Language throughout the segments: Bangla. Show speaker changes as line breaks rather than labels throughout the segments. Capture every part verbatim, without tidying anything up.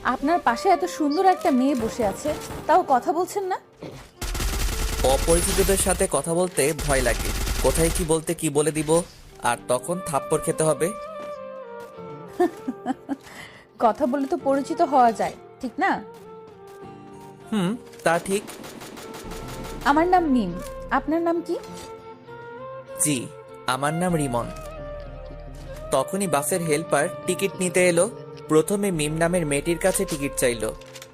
আপনার পাশে এত সুন্দর একটা মেয়ে বসে আছে, তাও কথা বলছেন না?
অপরিচিতদের সাথে কথা বলতে ভয় লাগে। কোথায় কি বলতে কি বলে দিব, আর তখন থাপ্পড় খেতে হবে।
কথা বলে তো পরিচিত হওয়া যায়, ঠিক না?
হুম, তা ঠিক।
আমার নাম মিম, আপনার নাম কি?
জি, আমার নাম রিমন। তখনই বাসের হেল্পার টিকিট নিতে এলো। প্রথমে মিম নামের মেয়েটির কাছে টিকিট চাইলো।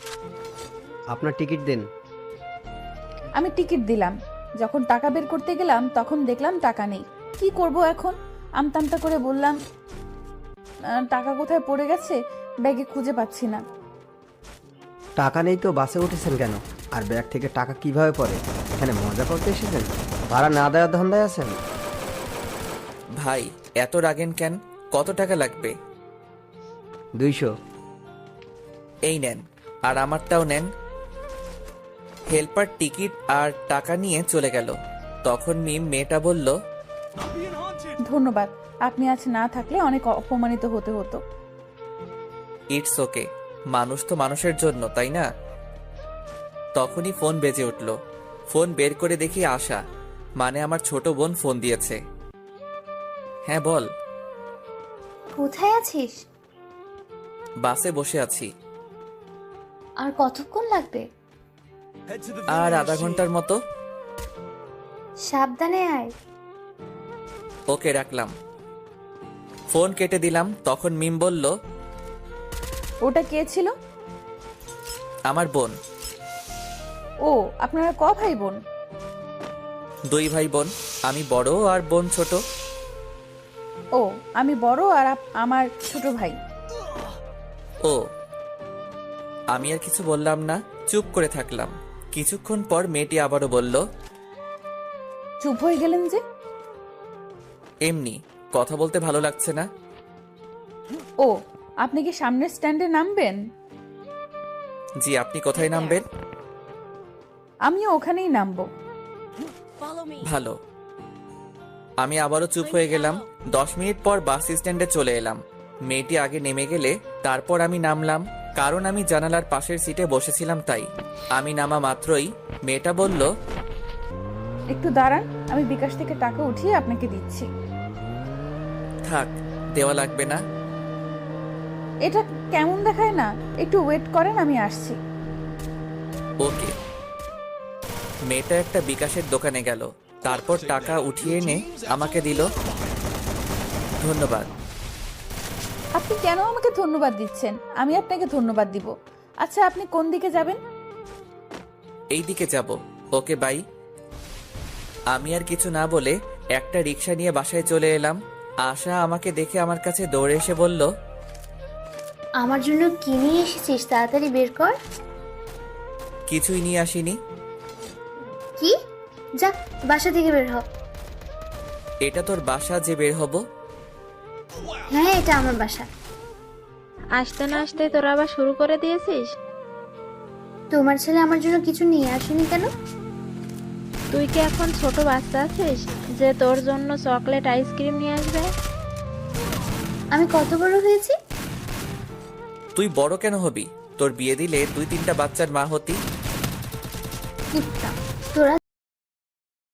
আপনার টিকিট দিন।
আমি টিকিট দিলাম। যখন টাকা বের করতে গেলাম তখন দেখলাম টাকা নেই। কি করব এখন? আমতামতা করে বললাম, "আহ, টাকা কোথায় পড়ে গেছে, ব্যাগে খুঁজে পাচ্ছি না।"
টাকা নেই তো বাসে উঠেছেন কেন? আর ব্যাগ থেকে টাকা কিভাবে পড়ে? এখানে মজা করতে এসেছেন? ভাড়া না দেওয়ার ধান্দায় আছেন?
ভাই, এত রাগেন কেন? কত টাকা লাগবে?
দুইশো।
এই নেন, আর আমারটাও নেন। হেল্পার টিকিট আর টাকা নিয়ে চলে গেল। তখন মিম মেয়েটা বলল,
ধন্যবাদ, আপনি আজ না থাকলে অনেক অপমানিত হতে হতো।
ইটস ওকে, মানুষ তো মানুষের জন্য, তাই না? তখনই ফোন বেজে উঠল। ফোন বের করে দেখি আশা, মানে আমার ছোট বোন ফোন দিয়েছে। হ্যাঁ বল।
কোথায় আছিস?
বাসে বসে আছি।
আর কতক্ষণ লাগবে?
আর আধা ঘন্টার মতো।
সাবধানে আয়।
ওকে, রাখলাম। ফোন কেটে দিলাম। তখন মিম বলল,
ওটা কে ছিল?
আমার বোন।
ও, আপনারা ক ভাই বোন?
দুই ভাই বোন, আমি বড় আর বোন ছোট।
ও, আমি বড় আর আপ- আমার ছোট ভাই।
ও। আমি আর কিছু বললাম না, চুপ করে থাকলাম। কিছুক্ষণ পর মেয়েটি আবারও বলল,
চুপ হয়ে গেলেন যে?
এমনি কথা বলতে ভালো লাগছে না।
ও, আপনি কি সামনের স্ট্যান্ডে নামবেন?
জি, আপনি কোথায় নামবেন?
আমিও ওখানেই নামবো।
ভালো। আমি আবারও চুপ হয়ে গেলাম। দশ মিনিট পর বাস স্ট্যান্ডে চলে এলাম। মেয়েটি আগে নেমে গেলে তারপর আমি নামলাম, কারণ আমি জানালার পাশের সিটে বসেছিলাম তাই। আমি নামা মাত্রই মেয়েটা বলল,
একটু দাঁড়ান, আমি বিকাশ থেকে টাকা উঠিয়ে আপনাকে দিচ্ছি।
থাক, দেওয়া লাগবে না।
এটা কেমন দেখায় না? একটু ওয়েট করেন, আমি আসছি।
ওকে। মেয়েটা একটা বিকাশের দোকানে গেল, তারপর টাকা উঠিয়ে এনে আমাকে দিল। ধন্যবাদ।
আপনি কেন আমাকে ধন্যবাদ দিচ্ছেন? আমি আপনাকে ধন্যবাদ দিব। আচ্ছা, আপনি কোন দিকে যাবেন?
এই দিকে যাব। Okay, bye. আমি আর কিছু না বলে একটা রিক্সা নিয়ে বাসায় চলে এলাম। আশা আমাকে দেখে আমার কাছে দৌড়ে এসে বলল,
আমার জন্য কি নিয়ে এসেছিস তাড়াতাড়ি বের কর।
কিছুই নিয়ে আসিনি।
কি? যা, বাসা থেকে বের হ।
এটা তোর বাসা যে বের হব?
হ্যাঁ, এটা আমার বাসা।
আসতে না আসতে তোরা আবার শুরু করে দিয়েছিস?
তোমার ছেলে আমার জন্য কিছু নিয়ে আসেনি কেন?
তুই কি এখন ছোট বাচ্চা আছিস যে তোর জন্য চকলেট আইসক্রিম নিয়ে আসবে?
আমি কত বড় হয়েছি?
তুই বড় কেন হবি? তোর বিয়ে দিলে দুই তিনটা বাচ্চার মা হতি।
কুত্তা।